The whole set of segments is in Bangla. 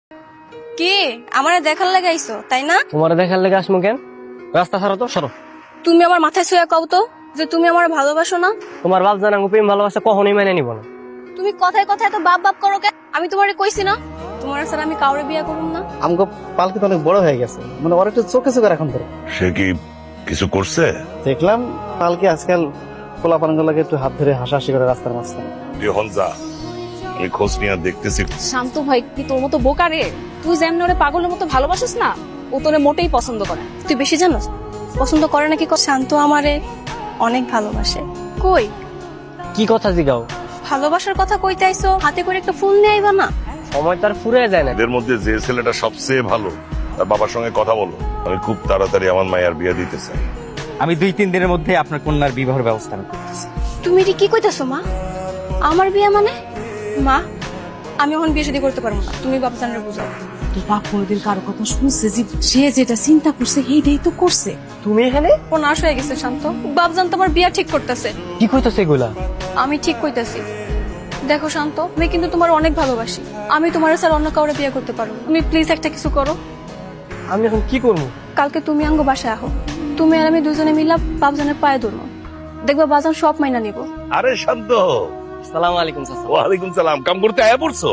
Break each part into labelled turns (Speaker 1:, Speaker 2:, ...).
Speaker 1: কি আমারে দেখার লাগে আইছো তাই না?
Speaker 2: তোমার দেখার লেগে আসমু কেন? রাস্তা ছাড়ো তো, সরো।
Speaker 1: তুমি আমার মাথায় ছুঁয়ে কও তো যে তুমি আমার ভালোবাসো না।
Speaker 2: তোমার বাপ জানা প্রেম ভালোবাসা কখনোই মেনে নিব না।
Speaker 1: তুমি কথায় কথায় তো বাপ বাপ করো কেন? আমি তোমারে কইছি না তোমার স্যার আমি কাউরে বিয়া করুম না।
Speaker 3: আমগো পালকি তো অনেক বড় হয়ে গেছে, মানে ওর একটু চোখে চোখে রাখুন ধরে।
Speaker 4: সে কি কিছু করছে?
Speaker 3: দেখলাম পালকি আজকাল পোলাপানগুলোকে একটু হাত ধরে হাসাহাসি করে রাস্তার মাঝখানে।
Speaker 4: তুই হন যা, আমি খোঁজ নিয়ে দেখতেছি।
Speaker 5: শান্ত ভাই কি তোর মতো বোকা রে? তুই যেমন ওরে পাগলের মতো ভালোবাসিস না, ও তোরে মোটেই পছন্দ করে না।
Speaker 1: তুই বেশি জানোস পছন্দ করে নাকি? শান্ত আমারে অনেক ভালোবাসে। কই
Speaker 2: কি কথা জিগাও?
Speaker 1: ভালোবাসার কথা কইতে আইছো, হাতে করে একটা ফুল নিয়ে আইবা না?
Speaker 2: সময় তার ফুরে যায় না।
Speaker 4: এদের মধ্যে যে ছেলেটা সবচেয়ে ভালো তার বাবার সঙ্গে কথা বলো। আমি খুব তাড়াতাড়ি আমার মায়ের বিয়ে দিতে চাই।
Speaker 6: আমি 2-3 দিনের মধ্যে আপনার কন্যার বিবাহের ব্যবস্থা আমি করতেছি।
Speaker 1: তুমি এটি কি কইতাছো মা? আমার বিয়ে মানে? মা আমি এখন বিয়ে শাদী করতে পারবো না, তুমি বাপজানরে বুঝাও।
Speaker 5: তোর বাপ কোনোদিন কারো কথা শুনছে যে সে যেটা চিন্তা করছে সেইটাই তো করছে।
Speaker 2: তুমি এখানে
Speaker 1: ও নাশ হয়ে গেছে শান্ত। বাপজান তোমার বিয়া ঠিক করতেছে।
Speaker 2: কি কইতাছ এগুলা?
Speaker 1: আমি ঠিক কইতাছি। দেখো শান্ত, আমি কিন্তু তোমার অনেক ভালোবাসি। আমি তোমার স্যার অন্য কাউরে বিয়ে করতে পারবো না। তুমি প্লিজ একটা কিছু করো।
Speaker 2: আমি এখন কি করবো?
Speaker 1: কালকে তুমি আঙ্গ বাসায় আহো, তুমি আর আমি দুজনে মিলা বাপজানের পায়ে ধরবো। দেখবা বাজান সব মাইনা নিব।
Speaker 4: আরে শান্ত,
Speaker 2: সালাম আলাইকুম চাচা।
Speaker 4: ওয়ালাইকুম সালাম। কাম করতে আয়া পড়ছো?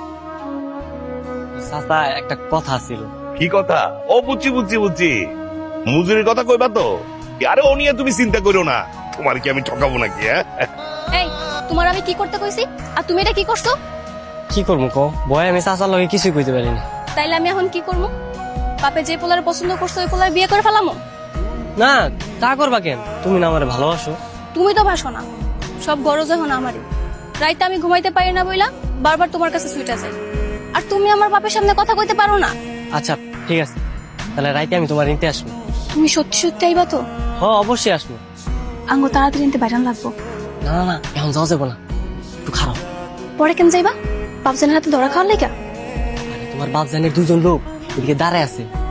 Speaker 2: চাচা একটা কথা ছিল।
Speaker 4: কি কথা? ও বুঝছি বুঝছি বুঝছি, মজুরির কথা কইবা তো? আরে ও নিয়ে তুমি চিন্তা করো না, তোমার কি আমি ঠকাবো নাকি? হ্যাঁ,
Speaker 1: এই তোমার আমি কি করতে কইছি আর তুমি এটা কি করছো?
Speaker 2: কি করবো কো? ভয় আমি চাচার লগে কিছুই কইতে পারি না।
Speaker 1: তাইলে আমি এখন কি করবো? বাপে যে পোলার পছন্দ করছো ওই পোলার বিয়ে করে ফেলামো?
Speaker 2: না, তা করবা কেন? তুমি না আমার ভালোবাসো।
Speaker 1: তুমি তো বাসো না, সব গরজ এখন আমারই। রাইতে আমি ঘুমাইতে পারি না বইলা বারবার তোমার কাছে সুইটা যাই। আর তুমি আমার বাপের সামনে কথা কইতে পারো না।
Speaker 2: আচ্ছা ঠিক আছে, তাহলে রাইতে আমি তোমার নিতে আসবো।
Speaker 1: তুমি সত্যি সত্যি আইবা তো?
Speaker 2: হ, অবশ্যই আসবো।
Speaker 1: আঙ্গ তাড়াতাড়ি নিতে বাইরান লাগবো।
Speaker 2: না না না, এখন যাওয়া যাবো না, একটু খারাপ।
Speaker 1: পরে কেন যাইবা? বাপজানের হাতে ধরা খাওয়ার লেগা?
Speaker 2: তোমার বাপ জানের 2জন লোক এদিকে দাঁড়ায় আছে,